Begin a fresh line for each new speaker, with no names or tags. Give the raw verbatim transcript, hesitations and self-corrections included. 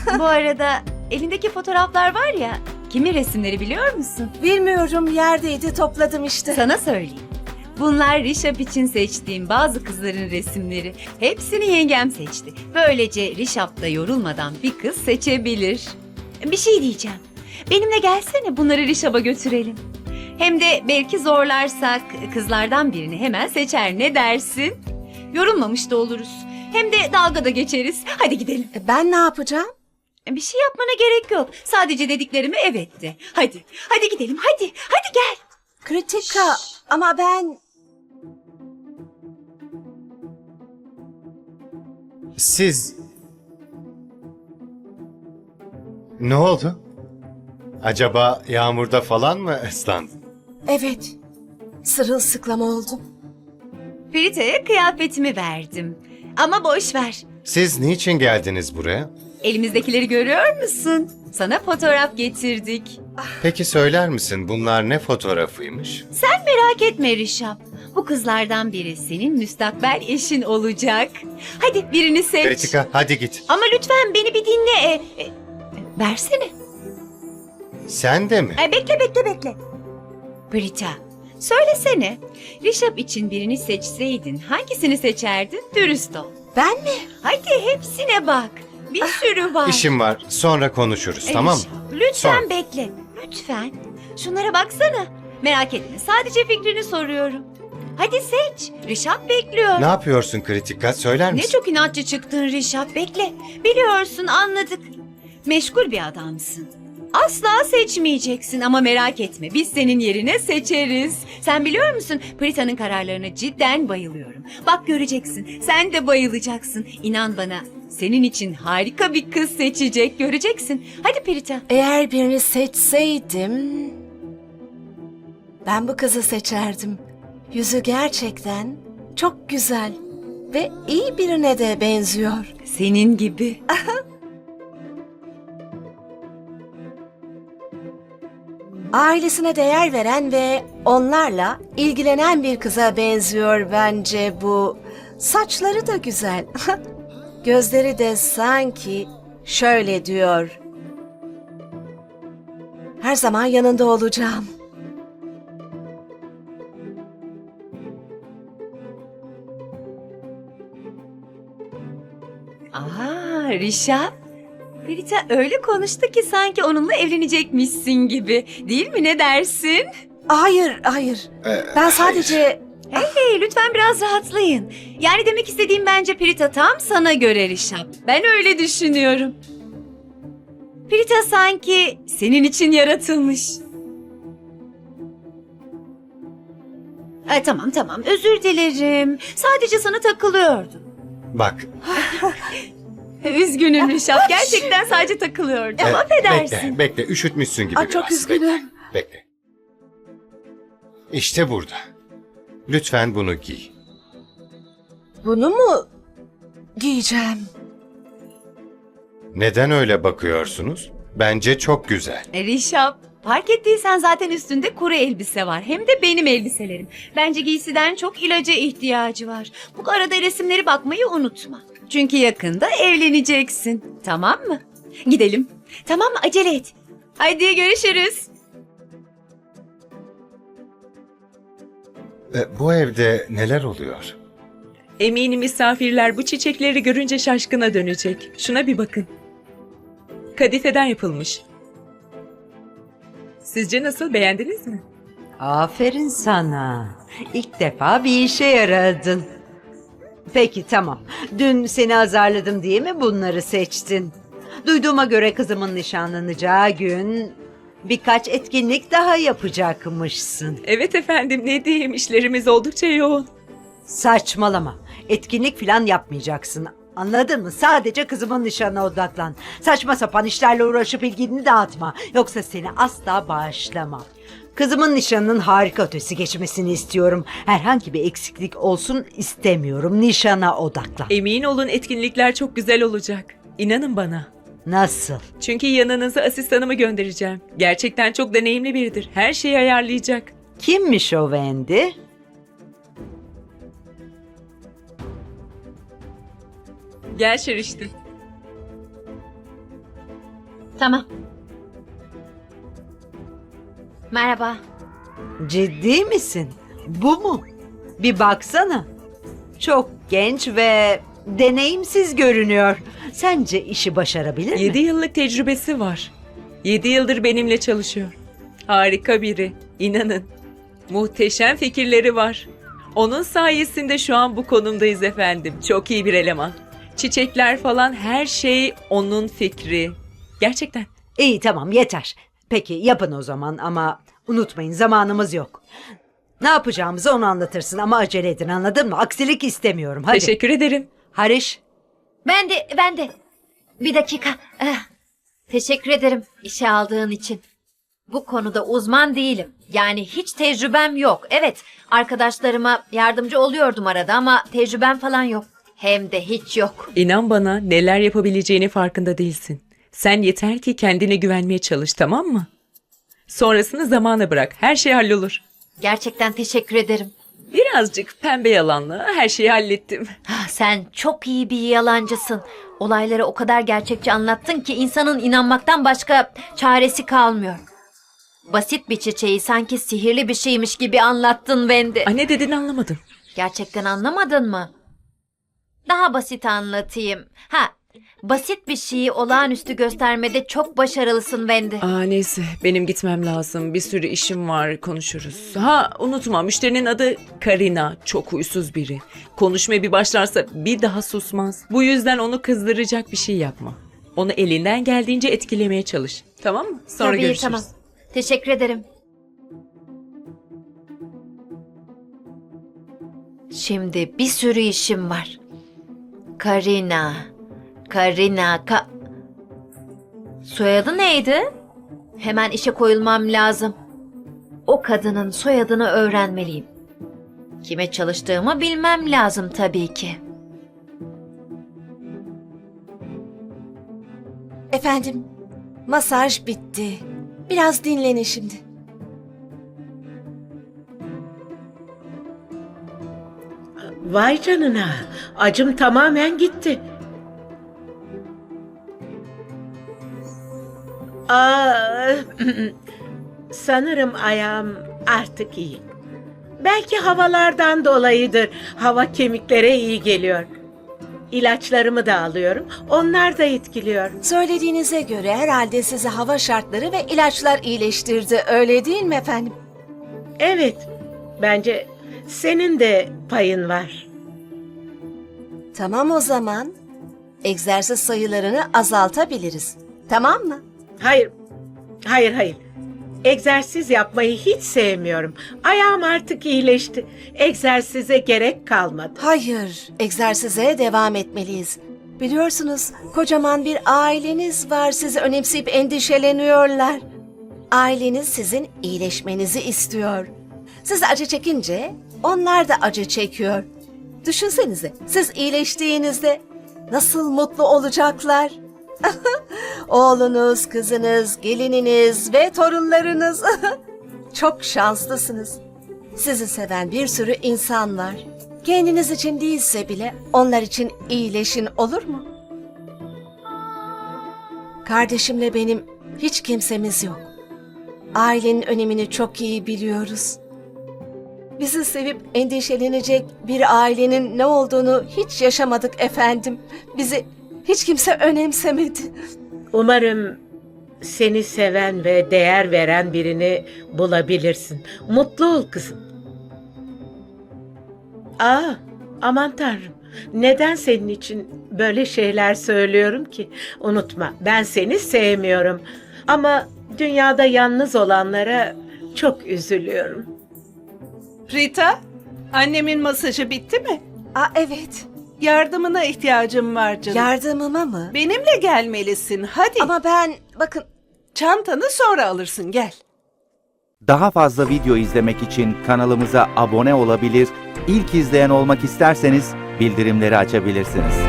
Bu arada elindeki fotoğraflar var ya, kimin resimleri biliyor musun?
Bilmiyorum, yerdeydi, topladım işte.
Sana söyleyeyim. Bunlar Rişap için seçtiğim bazı kızların resimleri. Hepsini yengem seçti. Böylece Rişap da yorulmadan bir kız seçebilir. Bir şey diyeceğim. Benimle gelsene, bunları Rişap'a götürelim. Hem de belki zorlarsak kızlardan birini hemen seçer, ne dersin? Yorulmamış da oluruz. Hem de dalga da geçeriz. Hadi gidelim.
E, Ben ne yapacağım?
Bir şey yapmana gerek yok. Sadece dediklerimi evet de. Hadi, hadi gidelim, hadi. Hadi gel.
Kritika, ama ben...
Siz... Ne oldu? Acaba yağmurda falan mı ıslandın?
Evet, sırılsıklam oldum.
Ferita'ya kıyafetimi verdim. Ama boş ver.
Siz niçin geldiniz buraya?
Elimizdekileri görüyor musun? Sana fotoğraf getirdik.
Peki söyler misin bunlar ne fotoğrafıymış?
Sen merak etme Rişap. Bu kızlardan biri senin müstakbel eşin olacak. Hadi birini seç.
Kritika hadi git.
Ama lütfen beni bir dinle. E, e, e, versene.
Sen de mi?
E, bekle bekle bekle. Brita, söylesene. Rişap için birini seçseydin hangisini seçerdin? Dürüst ol.
Ben mi?
Hadi hepsine bak. Bir sürü var.
İşim var. Sonra konuşuruz
E,
tamam mı?
Rişap, lütfen
Sonra.
bekle. Lütfen. Şunlara baksana. Merak etme. Sadece fikrini soruyorum. Hadi seç. Rişap bekliyor.
Ne yapıyorsun Kritika? Söyler
Ne
misin?
çok inatçı çıktın Rişap. Bekle. Biliyorsun, anladık. Meşgul bir adamsın. Asla seçmeyeceksin ama merak etme. Biz senin yerine seçeriz. Sen biliyor musun? Prita'nın kararlarına cidden bayılıyorum. Bak göreceksin. Sen de bayılacaksın. İnan bana. Senin için harika bir kız seçecek. Göreceksin. Hadi Prita.
Eğer birini seçseydim... Ben bu kızı seçerdim. Yüzü gerçekten çok güzel ve iyi birine de benziyor.
Senin gibi.
Ailesine değer veren ve onlarla ilgilenen bir kıza benziyor bence bu. Saçları da güzel. Gözleri de sanki şöyle diyor. Her zaman yanında olacağım.
Aha Rişap. Prita öyle konuştu ki sanki onunla evlenecekmişsin gibi. Değil mi, ne dersin?
Hayır, hayır.
Ee,
Ben sadece...
Hey hey, lütfen biraz rahatlayın. Yani demek istediğim, bence Prita tam sana göre Rişap. Ben öyle düşünüyorum. Prita sanki senin için yaratılmış. Ay, tamam tamam, özür dilerim. Sadece sana takılıyordum.
Bak.
Üzgünüm Rişap. Gerçekten sadece takılıyordum.
e,
Affedersin.
Bekle, bekle. Üşütmüşsün gibi
Aa,
biraz.
çok üzgünüm.
Bekle, bekle. İşte burada. Lütfen bunu giy.
Bunu mu giyeceğim?
Neden öyle bakıyorsunuz? Bence çok güzel.
E, Rişap, fark ettiysen zaten üstünde kuru elbise var. Hem de benim elbiselerim. Bence giysiden çok ilaca ihtiyacı var. Bu arada resimleri bakmayı unutma. Çünkü yakında evleneceksin. Tamam mı? Gidelim. Tamam mı? Acele et. Hadi görüşürüz.
E, bu evde neler oluyor?
Eminim misafirler bu çiçekleri görünce şaşkına dönecek. Şuna bir bakın. Kadifeden yapılmış. Sizce nasıl, beğendiniz mi?
Aferin sana. İlk defa bir işe yaradın. Peki tamam. Dün seni azarladım diye mi bunları seçtin? Duyduğuma göre kızımın nişanlanacağı gün birkaç etkinlik daha yapacakmışsın.
Evet efendim, ne diyeyim, işlerimiz oldukça yoğun.
Saçmalama. Etkinlik falan yapmayacaksın. Anladın mı? Sadece kızımın nişanına odaklan. Saçma sapan işlerle uğraşıp ilgini dağıtma. Yoksa seni asla bağışlamam. Kızımın nişanının harika ötesi geçmesini istiyorum. Herhangi bir eksiklik olsun istemiyorum. Nişana odaklan.
Emin olun, etkinlikler çok güzel olacak. İnanın bana.
Nasıl?
Çünkü yanınıza asistanımı göndereceğim. Gerçekten çok deneyimli biridir. Her şeyi ayarlayacak.
Kimmiş o Wendy?
Gel Şeriştin.
Tamam. Merhaba.
Ciddi misin? Bu mu? Bir baksana. Çok genç ve deneyimsiz görünüyor. Sence işi başarabilir mi?
Yedi yıllık tecrübesi var. Yedi yıldır benimle çalışıyor. Harika biri. İnanın. Muhteşem fikirleri var. Onun sayesinde şu an bu konumdayız efendim. Çok iyi bir eleman. Çiçekler falan her şey onun fikri. Gerçekten.
İyi tamam yeter. Peki yapın o zaman ama unutmayın zamanımız yok. Ne yapacağımızı onu anlatırsın ama acele edin anladın mı? Aksilik istemiyorum hadi.
Teşekkür ederim.
Hariş.
Ben de, ben de. Bir dakika. Eh, Teşekkür ederim işe aldığın için. Bu konuda uzman değilim. Yani hiç tecrübem yok. Evet, arkadaşlarıma yardımcı oluyordum arada ama tecrübem falan yok. Hem de hiç yok.
İnan bana neler yapabileceğini farkında değilsin. Sen yeter ki kendine güvenmeye çalış, tamam mı? Sonrasını zamana bırak. Her şey hallolur.
Gerçekten teşekkür ederim.
Birazcık pembe yalanla her şeyi hallettim.
Ah, sen çok iyi bir yalancısın. Olayları o kadar gerçekçi anlattın ki insanın inanmaktan başka çaresi kalmıyor. Basit bir çiçeği sanki sihirli bir şeymiş gibi anlattın Wendy.
Ay, ne dediğini anlamadım.
Gerçekten anlamadın mı? Daha basit anlatayım. Ha, basit bir şeyi olağanüstü göstermede çok başarılısın Wendy.
Aa, neyse benim gitmem lazım. Bir sürü işim var, konuşuruz. Ha, unutma müşterinin adı Karina. Çok huysuz biri. Konuşmaya bir başlarsa bir daha susmaz. Bu yüzden onu kızdıracak bir şey yapma. Onu elinden geldiğince etkilemeye çalış. Tamam mı? Sonra
Tabii,
görüşürüz.
tamam. Teşekkür ederim. Şimdi bir sürü işim var. Karina. Karina. Ka... Soyadı neydi? Hemen işe koyulmam lazım. O kadının soyadını öğrenmeliyim. Kime çalıştığımı bilmem lazım tabii ki.
Efendim, masaj bitti. Biraz dinlenin şimdi.
Vay canına, acım tamamen gitti. Aa, sanırım ayağım artık iyi. Belki havalardan dolayıdır. Hava kemiklere iyi geliyor. İlaçlarımı da alıyorum. Onlar da etkiliyor.
Söylediğinize göre herhalde sizi hava şartları ve ilaçlar iyileştirdi. Öyle değil mi efendim?
Evet, bence senin de payın var.
Tamam o zaman. Egzersiz sayılarını azaltabiliriz. Tamam mı?
Hayır, hayır, hayır. Egzersiz yapmayı hiç sevmiyorum. Ayağım artık iyileşti. Egzersize gerek kalmadı.
Hayır, egzersize devam etmeliyiz. Biliyorsunuz, kocaman bir aileniz var. Sizi önemseyip endişeleniyorlar. Aileniz sizin iyileşmenizi istiyor. Siz acı çekince onlar da acı çekiyor. Düşünsenize, siz iyileştiğinizde nasıl mutlu olacaklar? Oğlunuz, kızınız, gelininiz ve torunlarınız. Çok şanslısınız. Sizi seven bir sürü insan var. Kendiniz için değilse bile onlar için iyileşin, olur mu? Kardeşimle benim hiç kimsemiz yok. Ailenin önemini çok iyi biliyoruz. Bizi sevip endişelenecek bir ailenin ne olduğunu hiç yaşamadık efendim. Bizi hiç kimse önemsemedi.
Umarım seni seven ve değer veren birini bulabilirsin. Mutlu ol kızım. Aa, aman tanrım. Neden senin için böyle şeyler söylüyorum ki? Unutma, ben seni sevmiyorum. Ama dünyada yalnız olanlara çok üzülüyorum.
Rita, annemin masajı bitti mi?
Aa evet.
Yardımına ihtiyacım var canım.
Yardımıma mı?
Benimle gelmelisin, hadi.
Ama ben bakın
Çantanı sonra alırsın, gel.
Daha fazla video izlemek için kanalımıza abone olabilir, ilk izleyen olmak isterseniz bildirimleri açabilirsiniz.